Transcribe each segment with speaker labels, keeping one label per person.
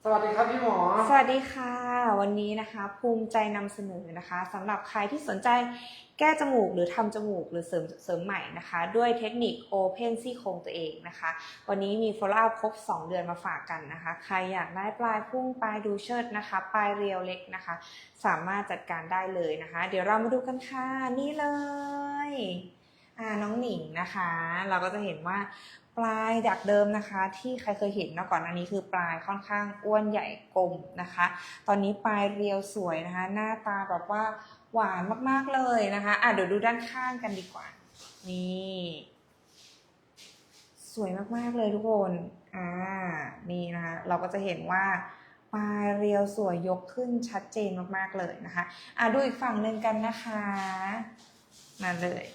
Speaker 1: สวัสดีครับพี่หมอ
Speaker 2: สวัสดีค่ะวันนี้นะคะภูมิใจนำเสนอนะคะสำหรับใครที่สนใจแก้จมูกหรือทำจมูกหรือเสริมใหม่นะคะด้วยเทคนิค Open ซี่โครงตัวเองนะคะวันนี้มี follow up ครบ2 เดือนมาฝากกันนะคะใครอยากได้ปลายพุ่งปลายดูเชิดนะคะปลายเรียวเล็กนะคะสามารถจัดการได้เลยนะคะเดี๋ยวเรามาดูกันค่ะนี่เลยน้องหนิงนะคะเราก็จะเห็นว่าปลายดักเดิมนะคะที่ใครเคยเห็นก่อนอันนี้คือปลายค่อนข้างอ้วนใหญ่กลมนะคะตอนนี้ปลายเรียวสวยนะคะหน้าตาแบบว่าหวานมากๆเลยนะคะเดี๋ยวดูด้านข้างกันดีกว่านี่สวยมากๆเลยทุกคนนี่นะคะเราก็จะเห็นว่าปลายเรียวสวยยกขึ้นชัดเจนมากๆเลยนะคะดูอีกฝั่งหนึ่งกันนะคะมาเลย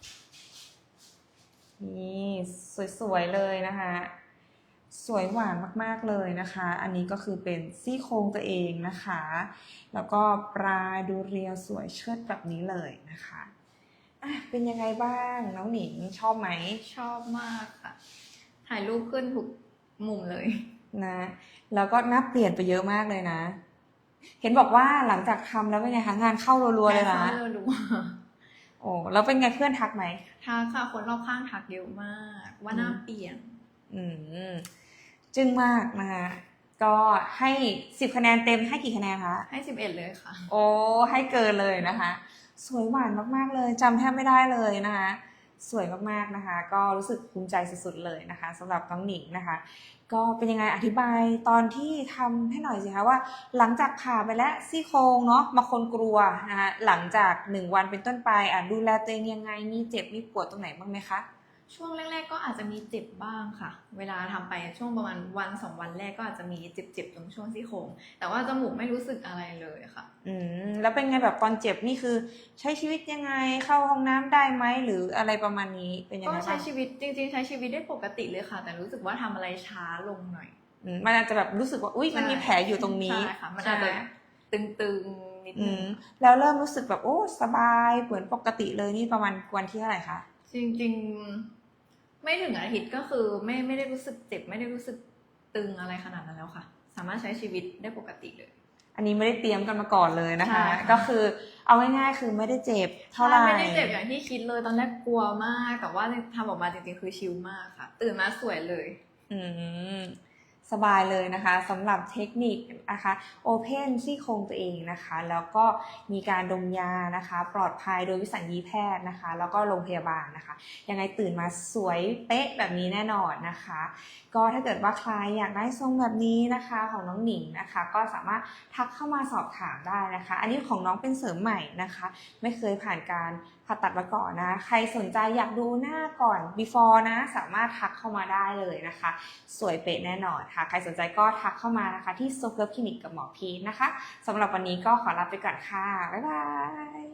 Speaker 2: นี่สวยๆเลยนะคะสวยหวานมากๆเลยนะคะอันนี้ก็คือเป็นซี่โครงตัวเองนะคะแล้วก็ปลายดูเรียวสวยเชิดแบบนี้เลยนะคะเป็นยังไงบ้างน้องหนิงชอบไหม
Speaker 3: ชอบมากค่ะถ่ายรูปขึ้นทุกมุมเลย
Speaker 2: นะแล้วก็หน้าเปลี่ยนไปเยอะมากเลยนะเห็นบอกว่าหลังจากทำแล้วเป็นไงคะงานเข้ารัวๆเลยนะ
Speaker 3: งานเข้ารัว
Speaker 2: โอ้แล้วเป็นไงเพื่อนทักไหม
Speaker 3: ทักค่ะคนรอบข้างทักเยอะมากว่าหน้าเปลี่ยน
Speaker 2: จึ้งมากนะคะก็ให้10 คะแนนเต็มให้กี่คะแนนคะ
Speaker 3: ให้11เลยค่ะ
Speaker 2: โอ้ให้เกินเลยนะคะสวยหวานมากๆเลยจำแทบไม่ได้เลยนะคะสวยมากๆนะคะก็รู้สึกภูมิใจสุดๆเลยนะคะสำหรับน้องหนิงนะคะก็เป็นยังไงอธิบายตอนที่ทำให้หน่อยสิคะว่าหลังจากผ่าไปแล้วซี่โครงเนาะบางคนกลัวนะคะหลังจาก1 วันเป็นต้นไปดูแลตัวเองยังไงมีเจ็บมีปวดตรงไหนบ้างไหมคะ
Speaker 3: ช่วงแรกๆก็อาจจะมีเจ็บบ้างค่ะเวลาทำไปช่วงประมาณ1-2 วันแรกก็อาจจะมีเจ็บๆตรงช่วงซี่โครงแต่ว่าจมูกไม่รู้สึกอะไรเลยค่ะ
Speaker 2: แล้วเป็นไงแบบตอนเจ็บนี่คือใช้ชีวิตยังไงเข้าห้องน้ำได้ไหมหรืออะไรประมาณนี้เป็นยังไงบ้าง
Speaker 3: ก็ใช้ชีวิตจริงๆใช้ชีวิดได้ปกติเลยค่ะแต่รู้สึกว่าทำอะไรช้าลงหน่อย
Speaker 2: มันอาจจะแบบรู้สึกว่าอุ๊ยมันมีแผลอยู่ตรงนี้
Speaker 3: ใช่ค่ะมันอาจจะตึงๆนิดนึง
Speaker 2: แล้วเริ่มรู้สึกแบบโอ้สบายเหมือนปกติเลยนี่ประมาณวันที่เท่าไหร่คะ
Speaker 3: จริงๆไม่ถึงอาทิตย์ก็คือไม่ได้รู้สึกเจ็บไม่ได้รู้สึกตึงอะไรขนาดนั้นแล้วค่ะสามารถใช้ชีวิตได้ปกติเลย
Speaker 2: อันนี้ไม่ได้เตรียมกันมาก่อนเลยนะคะก็คือเอาง่ายๆคือไม่ได้เจ็บเท่าไหร่
Speaker 3: ไม่ได้เจ็บอย่างที่คิดเลยตอนแรกกลัวมากแต่ว่าทำออกมาจริงๆคือชิลมากค่ะตื่นมาสวยเลย
Speaker 2: สบายเลยนะคะสำหรับเทคนิคนะคะ Open ซี่โครงตัวเองนะคะแล้วก็มีการดมยานะคะปลอดภัยโดยวิสัญญีแพทย์นะคะแล้วก็โรงพยาบาลนะคะยังไงตื่นมาสวยเป๊ะแบบนี้แน่นอนนะคะก็ถ้าเกิดว่าใครอยากได้ทรงแบบนี้นะคะของน้องหนิงนะคะก็สามารถทักเข้ามาสอบถามได้นะคะอันนี้ของน้องเป็นเสริมใหม่นะคะไม่เคยผ่านการผ่าตัดมาก่อนนะใครสนใจอยากดูหน้าก่อน before นะสามารถทักเข้ามาได้เลยนะคะสวยเป๊ะแน่นอนค่ะใครสนใจก็ทักเข้ามานะคะที่ So Curve Clinic กับหมอพีทนะคะสำหรับวันนี้ก็ขอลาไปก่อนค่ะบ๊ายบาย